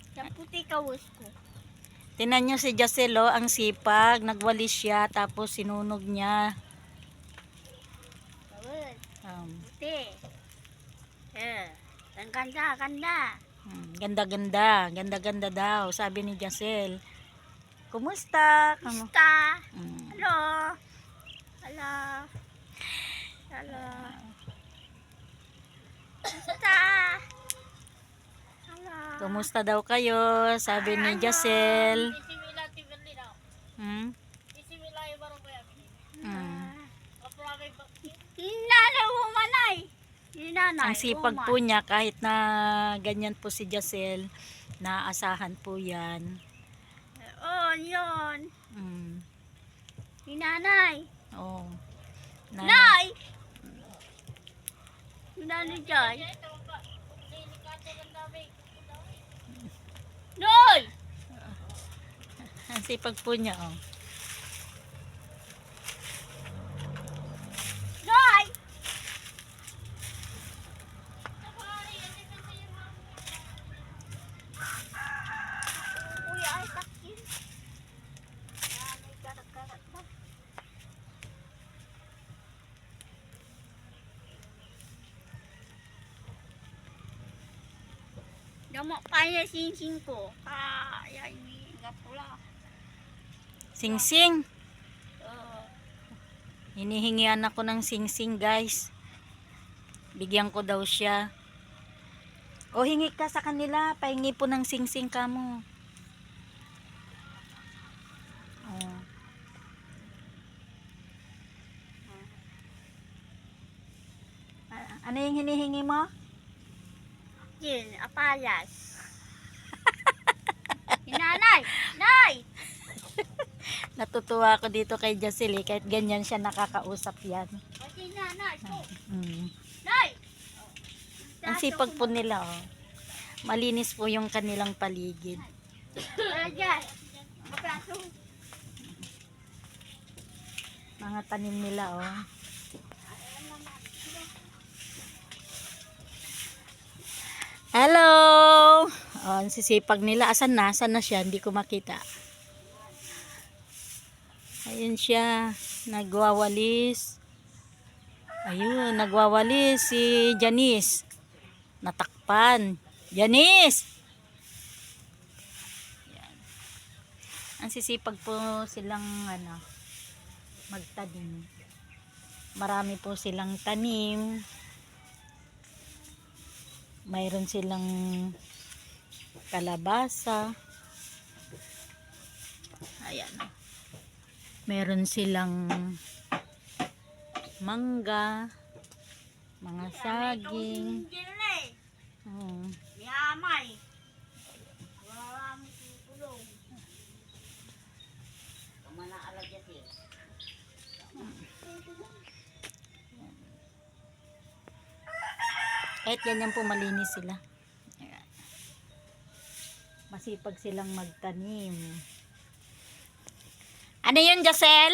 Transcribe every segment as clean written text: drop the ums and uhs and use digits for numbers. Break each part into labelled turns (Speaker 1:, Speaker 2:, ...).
Speaker 1: Yung puti kawas ko.
Speaker 2: Tinan nyo si Jacel, oh, ang sipag. Nagwalis siya, tapos sinunog niya.
Speaker 1: Kawas.
Speaker 2: Um,
Speaker 1: Puti. Ang ganda, ganda.
Speaker 2: Ganda-ganda. Ganda-ganda daw, sabi ni Jacel. Kumusta?
Speaker 1: Basta.
Speaker 2: Mm.
Speaker 1: Hello. Hello. Hello. Basta. Hello.
Speaker 2: Kumusta daw kayo? Sabi ni Jacel. Hmm?
Speaker 1: Hinanay mo manay. Hinanay.
Speaker 2: Ang sipag po niya, kahit na ganyan po si Jacel, naasahan po yan.
Speaker 1: Oh, yun.
Speaker 2: Mm.
Speaker 1: Hinanay.
Speaker 2: Oh.
Speaker 1: Nay! Hinanay dyan. Noy!
Speaker 2: Ang sipag po niya, oh.
Speaker 1: Noy! Uy, ay takin. May karat-karat na. Damak pa niya sing-sing ko. Yan nga pula.
Speaker 2: Sing-sing.
Speaker 1: Oh.
Speaker 2: Hinihingian ako ng sing-sing, guys. Bigyan ko daw siya. O, hingi ka sa kanila. Pahingi po ng sing-sing ka mo. Oh. Ano yung hinihingi mo?
Speaker 1: Yun, apayas. Hinanay! Nay!
Speaker 2: Natutuwa ako dito kay Jacel, eh. Kahit ganyan siya nakakausap yan.
Speaker 1: Kasi nanay ko.
Speaker 2: Mm.
Speaker 1: Nay!
Speaker 2: Ang sipag po nila, oh. Malinis po yung kanilang paligid.
Speaker 1: Ayan. Mapraso.
Speaker 2: Mga tanim nila, oh. Hello! Oh, ang sisipag nila. Asan na? Asan na siya? Hindi ko makita. Ayun siya. Nagwawalis. Ayun, nagwawalis si Janice. Natakpan. Janice! Yan. Ang sisipag po silang magtanim. Marami po silang tanim. Mayroon silang kalabasa. Ayan. Meron silang mangga, mga saging.
Speaker 1: Yamay. Marami tulong. Kamana alagyan siya.
Speaker 2: Kahit ganyan po malinis sila. Ayan. Masipag silang magtanim. Ano yun, Jacel?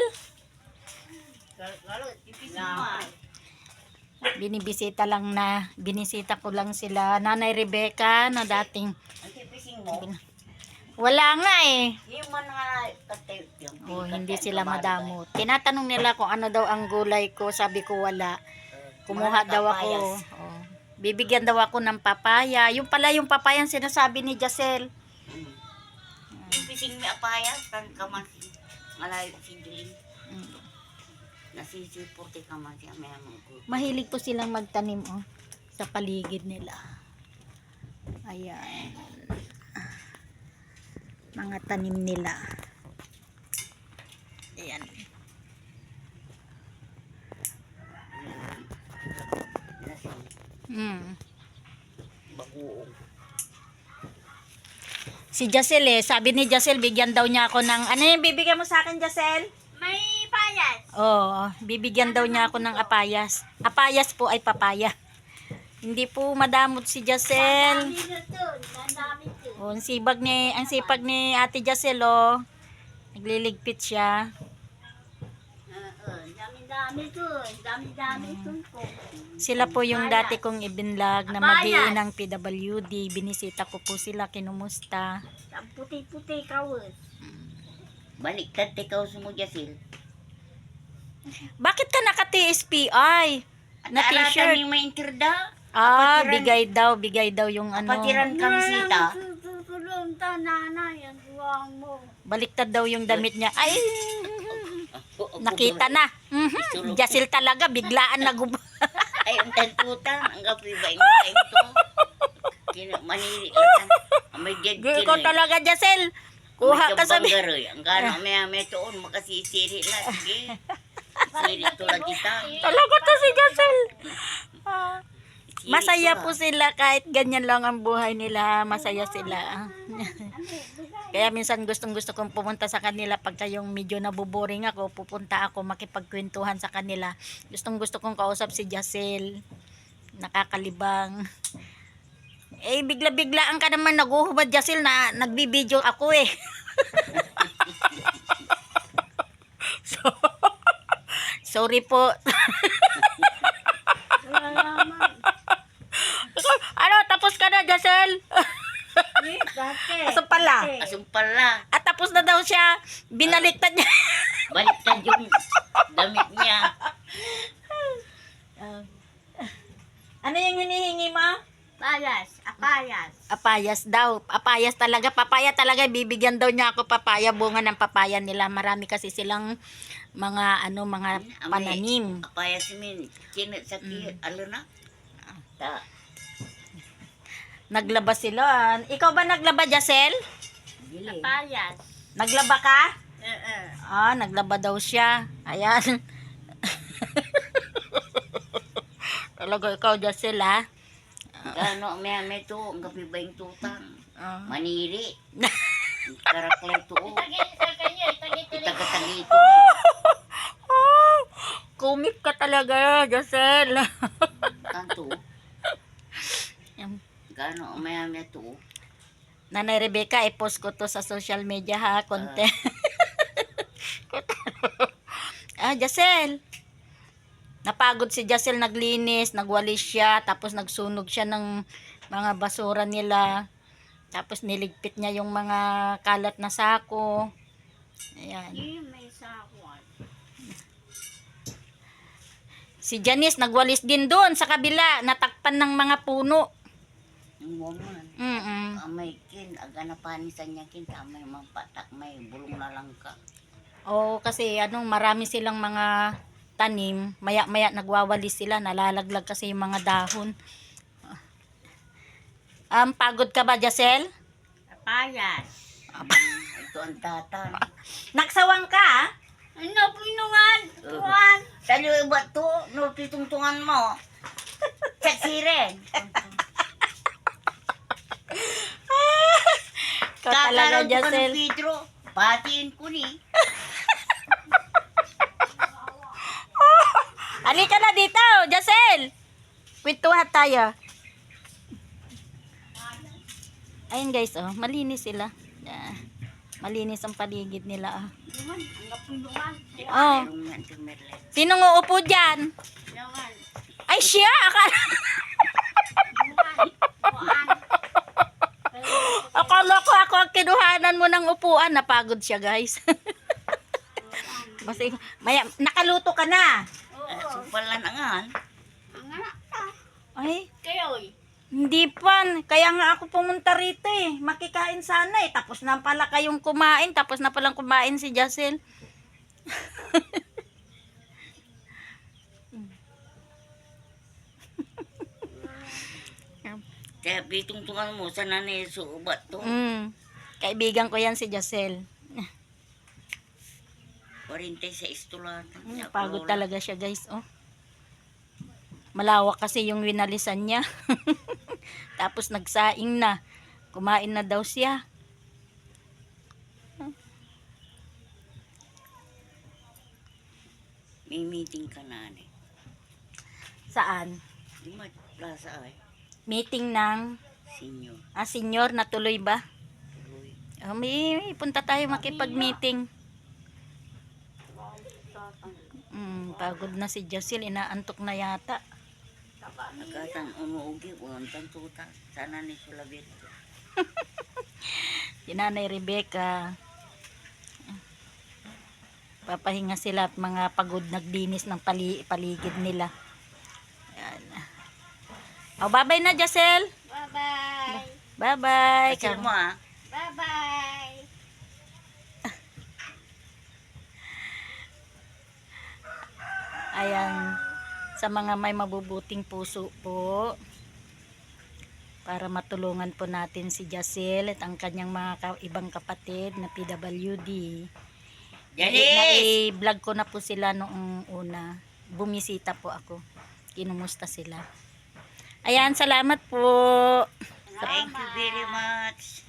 Speaker 2: Binisita ko lang sila. Nanay Rebecca na dating. Wala nga eh. Oh, hindi sila madamot. Tinatanong nila kung ano daw ang gulay ko. Sabi ko wala. Kumuha daw ako. Oh. Bibigyan daw ako ng papaya. Yung pala yung papaya ang sinasabi ni Jacel.
Speaker 1: Pising mi apaya kan kamasi. Malay sidling. Nasisipurti kamasi may among.
Speaker 2: Mahilig po silang magtanim, oh, sa paligid nila. Ayan. Mga tanim nila. Ayan.
Speaker 1: Bagoong.
Speaker 2: Si Jacel, sabi ni Jacel, bigyan daw niya ako ng, ano yung bibigyan mo sa akin, Jacel?
Speaker 1: May payas.
Speaker 2: Oo, bibigyan daw niya ako ng apayas. Apayas po ay papaya. Hindi po madamot si Jacel. Oh, ang sipag ni Ate Jacel, oh. Nagliligpit siya.
Speaker 1: Dami Dami dun. Dami-dami dun po.
Speaker 2: Sila po yung
Speaker 1: Papayas.
Speaker 2: dati kong ibinlag na
Speaker 1: Papayas.
Speaker 2: mag-iinang PWD. Binisita ko po sila, kinumusta.
Speaker 1: Ang puti-puti kawin.
Speaker 3: Baliktad ikaw mo, Jasil.
Speaker 2: Bakit ka naka-TSPI? Na t-shirt?
Speaker 3: Yung may intirda.
Speaker 2: Ah,
Speaker 3: Kapatiran.
Speaker 2: bigay daw yung ano.
Speaker 3: Kapatiran kamisita.
Speaker 1: Tutulong ta nanay. Ang duwang mo.
Speaker 2: Baliktad daw yung damit niya. Ay, nakita na. Mhm. Jasil talaga, biglaan nagub.
Speaker 3: Ay, ang tantutan. Ang gapi ba yung baing to? Manili lang. May dead
Speaker 2: Girl ko talaga, Jasil. Kuha ka sa...
Speaker 3: Ang gano'n, may tuon, makasisiri na. Sige. Siri tulad kita.
Speaker 2: Talaga to si Jasil. Ah.
Speaker 3: Siri
Speaker 2: Masaya
Speaker 3: to,
Speaker 2: po sila kahit ganyan lang ang buhay nila. Masaya sila. Kaya minsan gustong kong pumunta sa kanila pagka yung medyo nabuboring ako, pupunta ako makipagkwentuhan sa kanila. Gusto kong kausap si Jasil. Nakakalibang. Eh, bigla-biglaan ka naman naguhubad, Jasil, na nagbibideo ako eh. So, sorry po.
Speaker 1: Wala naman.
Speaker 2: Ano, tapos ka na, Jasil?
Speaker 1: Eh, dati.
Speaker 2: Aso pala?
Speaker 1: Dati.
Speaker 3: Asong pala.
Speaker 2: At tapos na daw siya. Binaliktad niya.
Speaker 3: Baliktad yung damit niya.
Speaker 2: Ano yung hinihingi mo?
Speaker 1: Payas. Apayas.
Speaker 2: Apayas daw. Apayas talaga. Papaya talaga. Bibigyan daw niya ako papaya. Bunga ng papaya nila. Marami kasi silang mga mga pananim.
Speaker 3: Apaya si Min. Kinit sa alo na. Ta.
Speaker 2: Naglaba sila. Ikaw ba naglaba, Jasil?
Speaker 3: Dili.
Speaker 1: Apayas.
Speaker 2: Naglaba ka?
Speaker 1: Eh.
Speaker 2: Ah, naglaba daw siya. Ayan. Talaga ikaw, Jasil, ha?
Speaker 3: Gano, may to. Ang gabi ba yung tutang?
Speaker 2: Ah.
Speaker 3: Maniri. Karaklay to. Itagatagi ito.
Speaker 2: Kumik ka talaga, Jasil.
Speaker 3: Kanto. Gano, may to.
Speaker 2: Nanay Rebecca, i-post ko to sa social media, ha? Content. Jasil. Napagod si Jasil, naglinis, nagwalis siya, tapos nagsunog siya ng mga basura nila. Tapos niligpit niya yung mga kalat na sako. Ayan.
Speaker 1: May sakwan.
Speaker 2: Si Janice nagwalis din doon sa kabila, natakpan ng mga puno.
Speaker 3: Yung woman. May kin, aga na panisan niya kin, may mga patak, may bulong na lang ka.
Speaker 2: Oo, kasi marami silang mga tanim, maya-maya nagwawalis sila, nalalaglag kasi yung mga dahon. Pagod ka ba, Jasil?
Speaker 1: Apayas.
Speaker 3: Ito ang tatan.
Speaker 2: Nagsawang ka?
Speaker 1: Ano, pinungan? Tuwan.
Speaker 3: Salo ba to? No, pitungtungan mo. Saksiren.
Speaker 2: Ikaw talaga,
Speaker 3: Kakaroon ko ng
Speaker 2: Jasil.
Speaker 3: Pedro. Patiin ko ni.
Speaker 2: Halika na dito, Jasil. Kwentuhan tayo. Ayun guys, malinis sila. Malinis ang paligid nila.
Speaker 1: Lungan. Ang kapulungan.
Speaker 2: Oh.
Speaker 3: Mayroong yan, Merlet.
Speaker 2: Sinong uupo dyan?
Speaker 1: Lungan.
Speaker 2: Ay, siya! Akala,
Speaker 1: Lungan. Tuwan.
Speaker 2: akala ko ako ang kinuhanan mo ng upuan. Napagod siya, guys. Kasi, nakaluto ka na.
Speaker 3: Sumpalan angan.
Speaker 1: Ang anak ka.
Speaker 2: Ay,
Speaker 1: Kayo'y.
Speaker 2: hindi pa. Kaya nga ako pumunta rito eh. Makikain sana eh. Tapos na pala kayong kumain. Tapos na palang kumain si Jasil.
Speaker 3: Kaya pitungtungan mo sa nanay suubat to.
Speaker 2: Kaibigan ko yan si Jasil.
Speaker 3: 46 tulan.
Speaker 2: Pagod talaga siya, guys. Oh. Malawak kasi yung winalisan niya. Tapos nagsaing na. Kumain na daw siya.
Speaker 3: May meeting ka na ni.
Speaker 2: Saan?
Speaker 3: Di plaza ay.
Speaker 2: Meeting ng
Speaker 3: Senior.
Speaker 2: senior, natuloy ba?
Speaker 3: Uy.
Speaker 2: May punta tayo makipag-meeting. Pagod na si Jacel, inaantok na yata.
Speaker 3: Nagkatang umuugi, untang tuta. Sana ni Sulabit.
Speaker 2: Si Nanay Rebecca. Papahinga sila at mga pagod naglinis ng paligid nila. Ayan. Oh, bye-bye na, Jacel.
Speaker 1: Bye-bye.
Speaker 2: Bye-bye.
Speaker 3: Kasi mo
Speaker 1: Bye-bye.
Speaker 2: Ayan, sa mga may mabubuting puso po, para matulungan po natin si Jacel at ang kanyang mga ibang kapatid na PWD. I-vlog ko na po sila noong una. Bumisita po ako. Kinumusta sila. Ayan, salamat po.
Speaker 3: Thank you very much.